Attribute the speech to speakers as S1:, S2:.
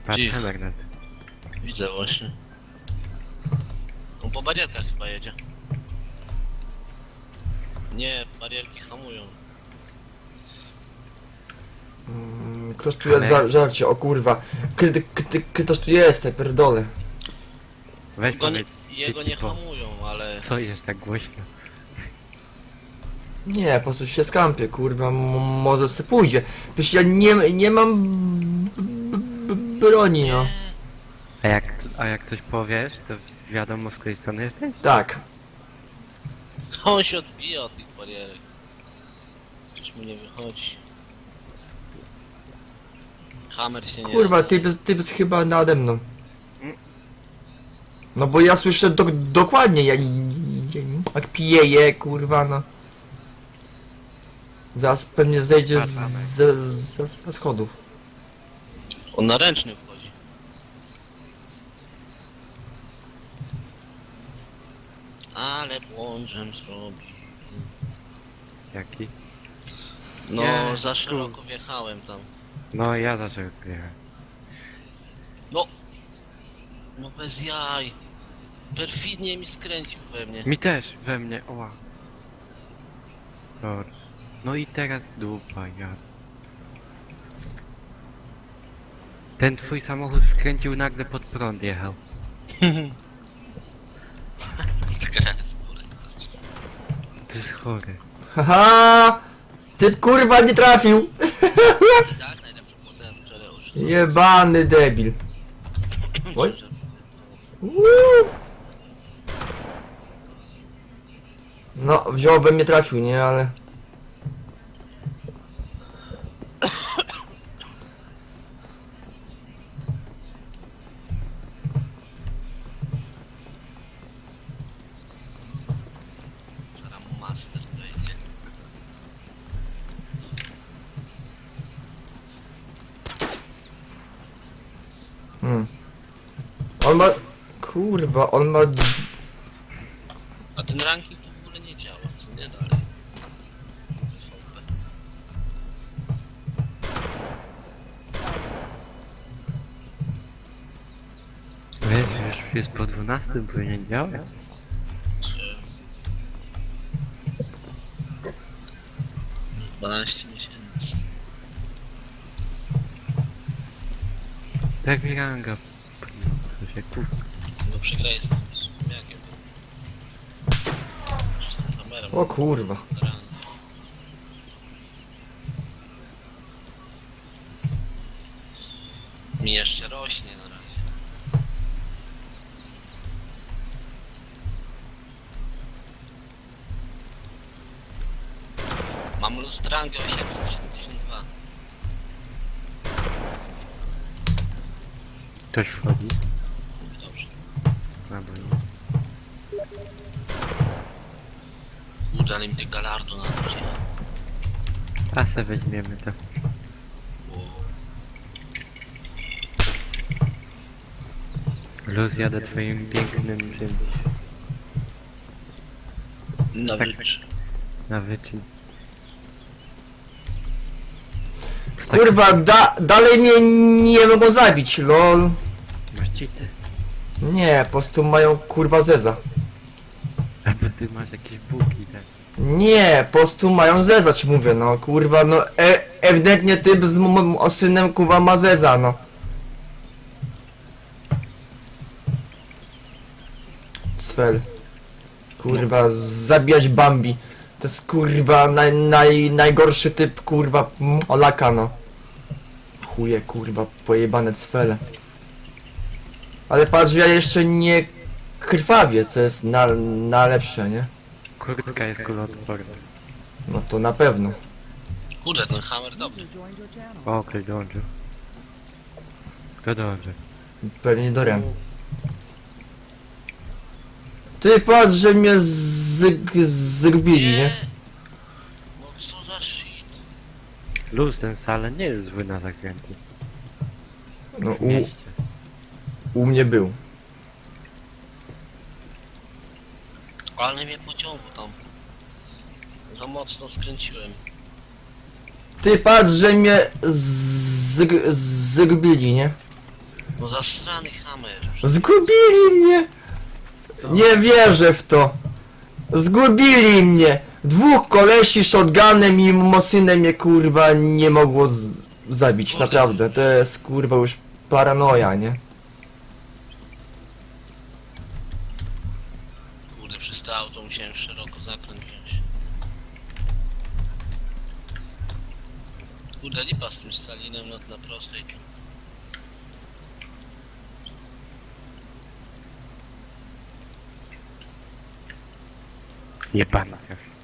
S1: Patrzę
S2: Cicho.
S1: magnet.
S2: Widzę właśnie. On po barierkach chyba jedzie. Nie, barierki hamują.
S3: Ktoś tu jest, żarcie, o kurwa. Ktoś tu jest, tak pierdolę.
S1: Weź
S2: Jego nie,
S1: powiedz,
S2: jego nie hamują, ale...
S1: co jest tak głośno?
S3: Nie, po prostu się skampię, kurwa, może se pójdzie. Przecież ja nie mam broni, no.
S1: A jak coś powiesz, to wiadomo z której strony jesteś?
S3: Tak.
S2: On się odbija od tych barierek. Coś mu nie wychodzi. Hammer się nie...
S3: Kurwa, typ jest chyba nade mną. No bo ja słyszę dokładnie, jak pijeje, kurwa, no. Zaraz pewnie zejdzie ze schodów.
S2: On na ręczny wchodzi. Ale błądżem zrobi.
S1: Jaki?
S2: No,
S1: Nie,
S2: za szeroko wjechałem tam.
S1: No ja zawsze jechałem.
S2: No! No bez jaj. Perfidnie mi skręcił we mnie.
S1: Mi też, we mnie, oła. Dobra. No i teraz dupa, ja. Ten twój samochód skręcił nagle pod prąd jechał. To jest chore.
S3: Haha! Typ kurwa nie trafił!
S2: Tak, najlepszy model Jereusz.
S3: Jebany debil. Oj. Uuu. No, wziąłbym mnie trafił, nie, ale...
S2: Zaraz mu master wejdzie.
S3: On ma... Kurwa, on ma...
S2: A ten ranking w ogóle nie działa, co nie dalej.
S1: Wiesz, już jest po 12, powinien działać.
S2: 12 miesięcy.
S1: Tak mi ranga. To się kup.
S2: No przegrałeś z Sumiakiem. Z kamerą.
S3: O kurwa.
S2: Mi jeszcze rośnie na razie. Mam lustrangę 872.
S1: Ktoś wchodzi.
S2: Dobrze.
S1: Albo nie.
S2: Udali mi ty galardu na razie.
S1: A se weźmiemy to. Luz, jadę twoim pięknym czymś.
S2: Na
S1: Tak.
S2: wycz.
S1: Na wyczyn.
S3: Kurwa, dalej mnie nie mogą zabić, lol.
S1: Masz cheaty.
S3: Nie, po prostu mają kurwa zeza.
S1: A bo ty masz jakieś buki, tak?
S3: Nie, po prostu mają zeza, ci mówię, no kurwa, no ewidentnie typ z synem kurwa ma zeza, no. Sfel. Kurwa, zabijać Bambi. To jest kurwa najgorszy typ kurwa Olaka, no. Chuje kurwa, pojebane cfele. Ale patrz, ja jeszcze nie krwawię, co jest na lepsze, nie?
S1: Kurtka jest kuloodporna.
S3: No to na pewno.
S2: Kurde, ten hammer dobry.
S1: O, ktoś dołączył. Kto dołączył?
S3: Pewnie Dorian. Ty patrz, że mnie zgubili, nie?
S2: No co za shit.
S1: Luz, ten wcale nie jest zły na zakręty.
S3: No
S1: W mieście.
S3: u mnie był.
S2: Ale mnie pociągło tam. Za mocno skręciłem.
S3: Ty patrz, że mnie zgubili, nie?
S2: No zasrany hammer.
S3: Zgubili mnie! Nie wierzę w to! Zgubili mnie! Dwóch kolesi shotgunem i mosynem mnie kurwa nie mogło zabić,
S2: Kurde.
S3: naprawdę. To jest kurwa już paranoja, nie?
S2: Kurde, przez to auto musiałem szeroko zakręt wziąć. Kurde, lipa z tym Stalinem na prostej.
S1: Jebana.